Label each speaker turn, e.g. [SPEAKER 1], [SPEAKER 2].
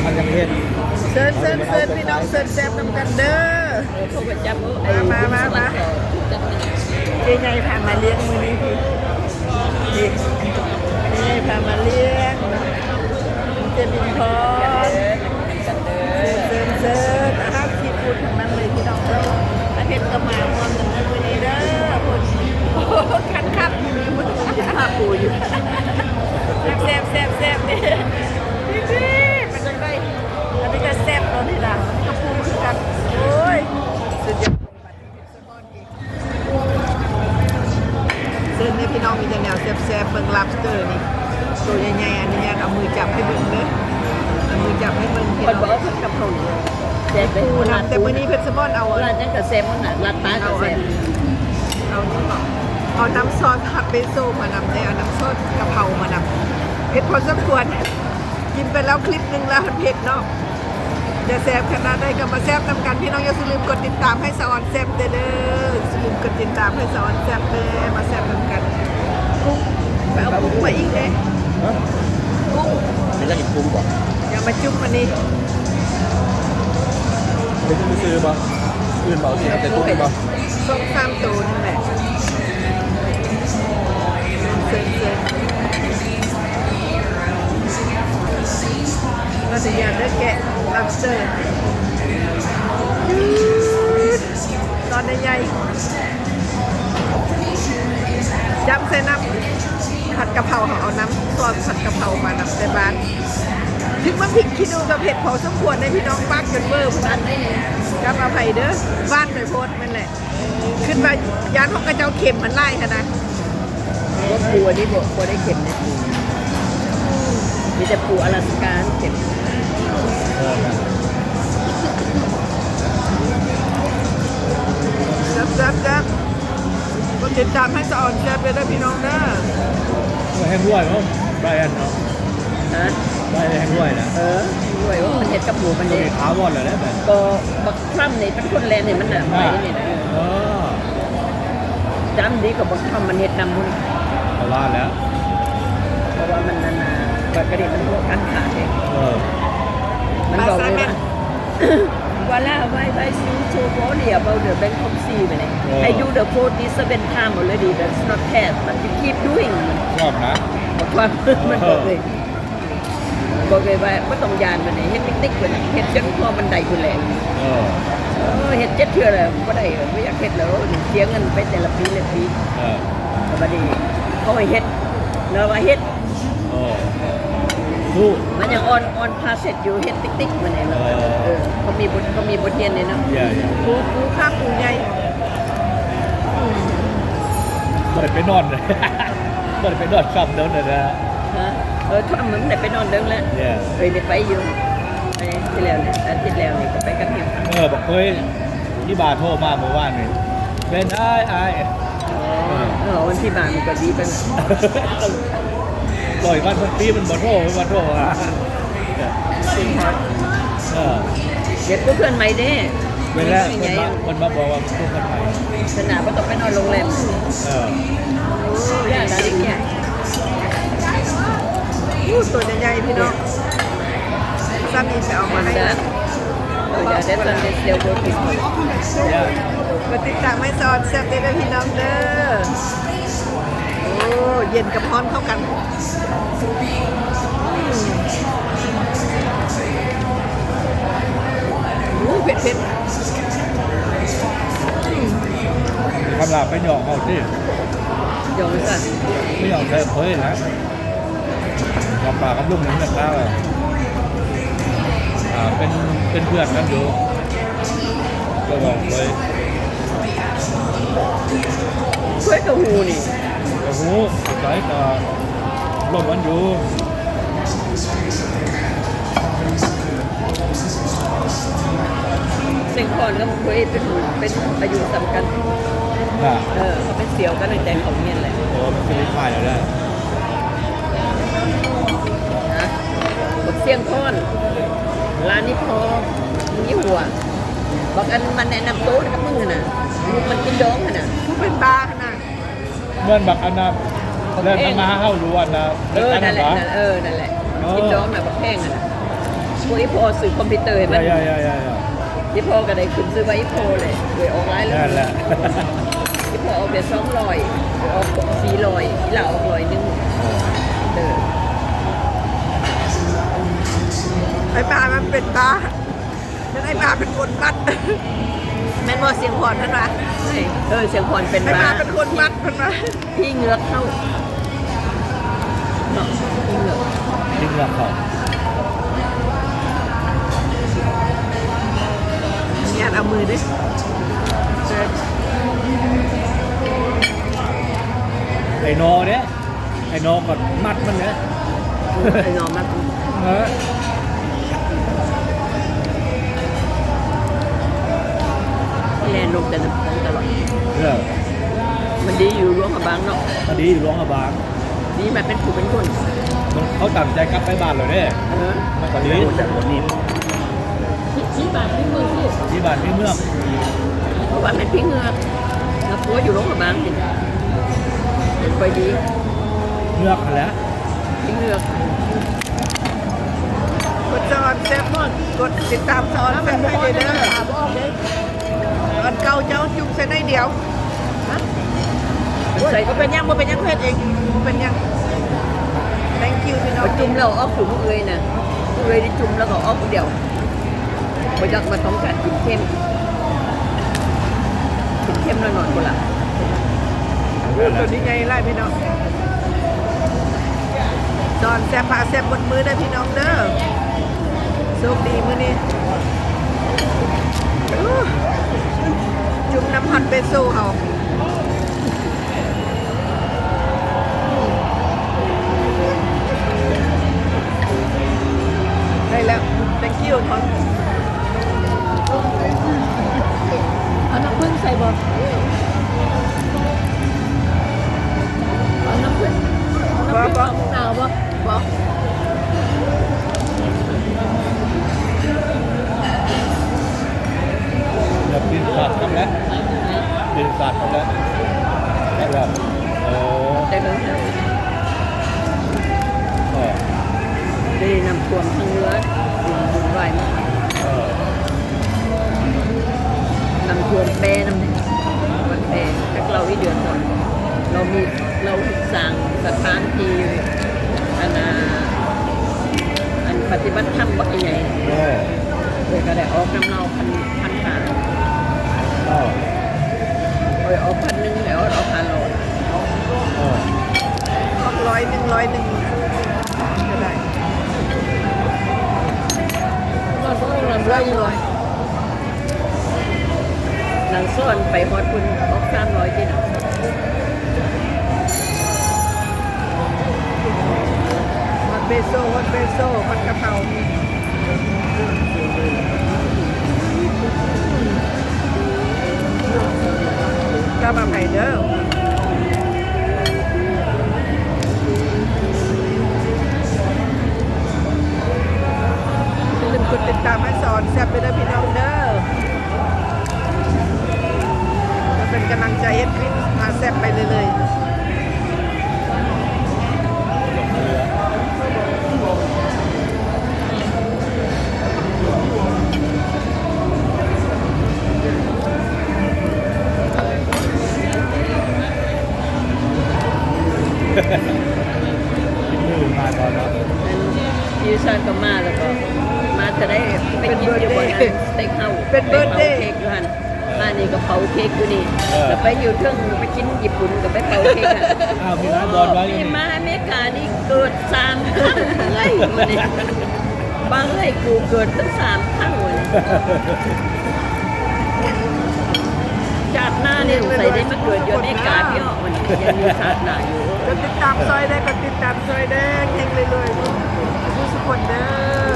[SPEAKER 1] มันยังเห็น
[SPEAKER 2] เซิร์นพี่น้องเซิร์นแซ่บน้ำกันเด้อ
[SPEAKER 3] เขาก็จับ
[SPEAKER 2] มาเจ๊ใหญ่พามาเลี้ยงมือนี้พี่เจ๊ใหญ่พามาเลี้ยงเจบินพอเซิร์นอาหารซีฟู้ดทั้งนั้นเลยพี่น้องเด้ออาทิตย์ก็มาพร้อมกันมือนี้เด้อคนคันอยู่นี่มันจะพาปูอยู่แซ่บนี่มันจะได้อันนี้ก็แซ่บแล้วนี่ล่ะกระปูคือกันโอ้ยสุดยอดซึ่งนี่พี่น้องมีแต่แนวแซ่บเบิ่ง lobster นี่ตัวใหญ่ๆอันนี้เอามือจับให้เบิ่งเด้อเอามือจับให้เบิ่งพี่น้อง
[SPEAKER 3] บอกเพิ่นกับเขาแซ่บปู
[SPEAKER 2] นะแต่มื้อนี้เพชรสมอนเอา
[SPEAKER 3] ร้านนั้นก็แซ่บมันน่ะร้านป้าก็แซ่บ
[SPEAKER 2] เอานี่บอกเอาน้ำซอสผัดเบโซมานำได้เอาน้ำซอสกะเพรามานำเผ็ดพอสมควรกินไปแล้วคลิปนึงแล้วมันเผ็ดเนาะจะแซ่บขนาดใดก็มาแซ่บนำกันพี่น้องอย่าลืมกดติดตามให้สะออนแซ่บเด้ออย่าลืมกดติดตามให้สะออนแซ่บเด้อมาแซ่บนำกันกุ้งไปเอากุ้งมาอีกเลยกุ้ง
[SPEAKER 1] ไม่ได้กินกุ้งป่ะ
[SPEAKER 2] อย่ามาจุ๊บมานี่
[SPEAKER 1] ไม่ต้องไปซื้อป่ะอื่นเปล่าสิครับแต่กุ้งป่ะ
[SPEAKER 2] ส้มซ้ำตัวนั่นแหละเซิร์เราจะอยากได้แกะ lobster ตอนใหญ่จับใส่น้ำผัดกะเพราเอาน้ำซอสผัดกะเพรามานำใส่บ้านถึงมันพริกขี้หนูกับเผ็ดพอสมควรในพี่น้องปักจนเบอร์พนันได้เนี่ยกับอภัยเด้อบ้านไปโพสมันแหละขึ้นมายานของกระเจ้าเข็มมันไล่ค่ะนะ
[SPEAKER 3] ว่าปูอันนี้บ่ได้เข็มนะมีแต่ปูอลาสก้าเข็ม
[SPEAKER 2] จับก็ติดตามให้สะออนแซ่บเลยนะพี่น้องนะ
[SPEAKER 1] แห้งด้วยมั้งไบรอันเนาะ
[SPEAKER 3] ฮะ
[SPEAKER 1] ไบรอันแห้งด้วยนะ
[SPEAKER 3] ด้วยว่ามันเห็ดกับหมูมันเนี่ย
[SPEAKER 1] ขาวหมดเลยนะแบบ
[SPEAKER 3] ก็บักคร่ำเนี่ยเป็นคนแรงเนี่ยมันหนาไปเนี่ยนะจำดีกับบักคร่ำมันเห็ดนำมัน
[SPEAKER 1] เอาว่าแล้ว
[SPEAKER 3] เพราะว่ามันนานๆบักกระดิ่งมันพวกกันขาดเองมันบอกเลยว่าVoila, I see so worry about the Bangkok Sea ไปเลย I do the 47 time already that's not bad but you keep doing
[SPEAKER 1] ชอบนะ
[SPEAKER 3] บอกว่ามันบอกเลยว่าไม่ต้องยานไปไหนเฮ็ดติ๊กๆไปไหนเฮ็ดจนพอมันได้คุณแหละเฮ็ดเจ็ดเทื่อเลยก็ได้ไม่อยากเฮ็ดแล้วเสียเงินไปแต่ละปีแต่บัดนี้เขาให้เฮ็ดแล้วว่าเฮ็ดมันยังออนพาเสร็จอยู่เฮ็ดติ๊กๆมาไหนแล้วเขามีบทเรียนเลยเนาะ
[SPEAKER 2] ปูข้างปูใหญ่
[SPEAKER 1] บ่ได้ไปนอนเลยบ่ได้ไปนอนซ้ำเดิมเลยนะ
[SPEAKER 3] ถ้ามึงได้ไปนอนเดิมแล้วได้ไปอยู่ที่แล้วเนี่ยอาทิตย์แล้วนี่ก็ไปกับเฮีย
[SPEAKER 1] บอกเคยที่บาร์โทรมาเมื่อวานนี่เป็นไอ้
[SPEAKER 3] วันที่บาร์มันก็ดีเป็น
[SPEAKER 1] ปล่อยวันปีมันบ่โทรอ่ะ
[SPEAKER 3] เด็กเพื่อนใหม่เด้
[SPEAKER 1] เวลาคนมาบอกว่าเพื่อนใหม่
[SPEAKER 3] สนามก็ต้องไปนอนโรงแรมอย่างนั้นเนี่ย
[SPEAKER 2] ตัวใหญ่พี่น้องซ้ำอีกไปเอามาให้
[SPEAKER 3] เดี๋ยวเดี๋ยวโบติด
[SPEAKER 2] มาติดตามให้สอนแซ่บได้พี่น้องเด้อโอ้เย็นกับร้อนเข้ากันเผ็ด
[SPEAKER 1] คำลาไปหยอกเขาที่
[SPEAKER 3] หยอกสั่น
[SPEAKER 1] ไม่หยอกเลยเฮ้ยนะหยอกปากกับลุงนี่นะครับเป็นเพื่อนกันอยู่ก็บอกเลย
[SPEAKER 3] เพื่อนกับหูนี่
[SPEAKER 1] กับหูใส่กับลมมันอยู่
[SPEAKER 3] เซ็งคอนก็เคยเป็นอายุสำคัญเขาเป็นเสี่ยวกันในใจเขาเนี่ยแหละ
[SPEAKER 1] มันเป็นฝ่ายแล้วได้
[SPEAKER 3] นะบทเสี่ยงคอนร้านนี้พอยี่หัวบอกกันมันแนะนำโต๊ะกับมึงนะมันกินดองนะ
[SPEAKER 2] ทุกเป็นบาร์นะ
[SPEAKER 1] เมื่อบักอันนั้นเริ่มมาเข้ารู้อันนะ
[SPEAKER 3] นั่นแหละนั่นแหละกินดองนะบักแห้งนะ
[SPEAKER 2] โ
[SPEAKER 3] วกอีโพสื่อคอมพิวเตอร์เห็นไหม
[SPEAKER 1] ใช่
[SPEAKER 3] อีโพก็ได้ขึ้นซื้อว่าอีโพเลยเลยออกไลน์เลย
[SPEAKER 1] นั่นแหละ
[SPEAKER 3] อีโพออกเดี๋ยว200ออก400อีหล่าออก100นึงเด้อ
[SPEAKER 2] ไอ้ปลามันเป็นบ้านั่นไอ้ปลาเป็นคนมัดแม่นบ่เสียงพรท่านวะ
[SPEAKER 3] เสียงพรเป็น
[SPEAKER 2] ไอ้ป
[SPEAKER 3] บ้า
[SPEAKER 2] ลาเป็นคนมัดท่านวะ
[SPEAKER 3] พี่เหงือกเข้าเนาะพี่เหงือก
[SPEAKER 1] ดิ้งหลักเขา
[SPEAKER 2] งานเอามือดิ
[SPEAKER 1] ไอ้นอเนี่ยไอ้นอก่อนมัดมันเนี่ย
[SPEAKER 3] ไอ้นอนมาก
[SPEAKER 1] เออ
[SPEAKER 3] แลนลงแต่น้ำของตลอด
[SPEAKER 1] เออ
[SPEAKER 3] มันดีอยู่ร่วงกับบางเนาะ
[SPEAKER 1] พอดีอยู่ร้องอาบาง
[SPEAKER 3] ดีแบบเป็นผู้เป็นคน
[SPEAKER 1] มันเขาตั้งใจกลับไปบ้านเลยเนี่ย
[SPEAKER 3] เออ
[SPEAKER 1] มันก็ดีแต่วันนี้
[SPEAKER 3] ชี้บาทพี่เมืองที่
[SPEAKER 1] ที่บ้านที่เมือง
[SPEAKER 3] เพราะว่าเป็นพี่เหงือกแล้วปัวอยู่ร่วงกับบางจริงเป็นไปดี
[SPEAKER 1] เมืองนั่นแหละ
[SPEAKER 3] พี่เหงือก
[SPEAKER 2] กดจอนแซ่บมอนกดติดตามซอนแซ่บให้เลยเด้ออันเก่าเจ้าจุ่มใส่ได้เดียว
[SPEAKER 3] ใส่
[SPEAKER 2] ก็เป็นยังบ่เป็นยังเพศเองเป็นยัง thank you พี่น้อง
[SPEAKER 3] เอาจุ่มเราออกถึงเอ้ยนะเอ้ยที่จุ่มแล้วก็ออกเดียวพอจักมาต้องการกินเข้มกินเข้มแล้วนอนคนละ
[SPEAKER 2] ตัวนี้ไงไล่พี่น้องจอนแซ่บพาแซ่บบนมือได้พี่น้องเด้อโชคดีมื้อนี้อู้จุ่มน้ำฮอตเบโซเอาได้แล้ว thank you ของ
[SPEAKER 3] เอาน้ำผึ้งใส่บ่เอาน้ำผึ้งเอาน้ำผึ้งเอามะนาวบ่บ่
[SPEAKER 1] เดี๋ยวปีนศาสตร์ทำแล้วปีนศาสตร์ทำแล้วได้แล้วโอ้
[SPEAKER 3] ได้เลยนะ
[SPEAKER 1] เออ
[SPEAKER 3] ได้นำท่วมทางเรือบุญไหวมาก
[SPEAKER 1] เออน
[SPEAKER 3] ำท่วมแปรน้ำเนี่ยมันแปรจากเราอีเดือนก่อนเราสร้างสถานที่อันปฏิบัติธรรมบักใหญ่
[SPEAKER 1] โอ้
[SPEAKER 3] เลยก็ได้ออกน้ำเนาพันหา
[SPEAKER 1] เออ
[SPEAKER 3] ออก1,000แล้วออก1,000
[SPEAKER 1] เออ
[SPEAKER 2] ออกร้อยหนึ่งก็ได้
[SPEAKER 3] ก็ต้องนำร้อยเลยนางซ่อนไปฮอดคุณออก300ที่น่ะ
[SPEAKER 2] ฮอตเบโซฮอตเบโซฮอตกะเพราก็มาไผ่เด้ออย่าลืมกดติดตามให้สอนแซ่บไปด้วยพี่น้องเด้อมาเป็นกำลังใจให้คลิปมาแซ่บไปเลย
[SPEAKER 1] มือมาก่อนเนาะ
[SPEAKER 3] ยูซานก็มาแล้วก็มาจะได้ไปกินอยู่บนนั้นสเต็กเฮาส์
[SPEAKER 2] เป็นเบิร์ดเดย์
[SPEAKER 3] เค้กอยู่หันมานี่ก็เผาเค้กอยู่นี่แล้วไปอยู่เทิงไปกินญี่ปุ่นก็ไปเผาเค้กอ่ะ
[SPEAKER 1] อ้าวมีร้านบอลไว้อยู่
[SPEAKER 3] นี่
[SPEAKER 1] นี่
[SPEAKER 3] มาอเมริกานี่เกิด3 ครั้งเลยวันนี้บางเลยกูเกิดตั้ง3 ครั้งวันนี้จากหน้าเนี่ยสงสัยได้มาเกิดอยู่อเมริกาพี่อ้อวันนี้ยังมีชาติหน้าอยู่
[SPEAKER 2] กดติดตามซอยได้กดติดตามซอยได้เฮงเลยๆผู้สุขคนเด้อ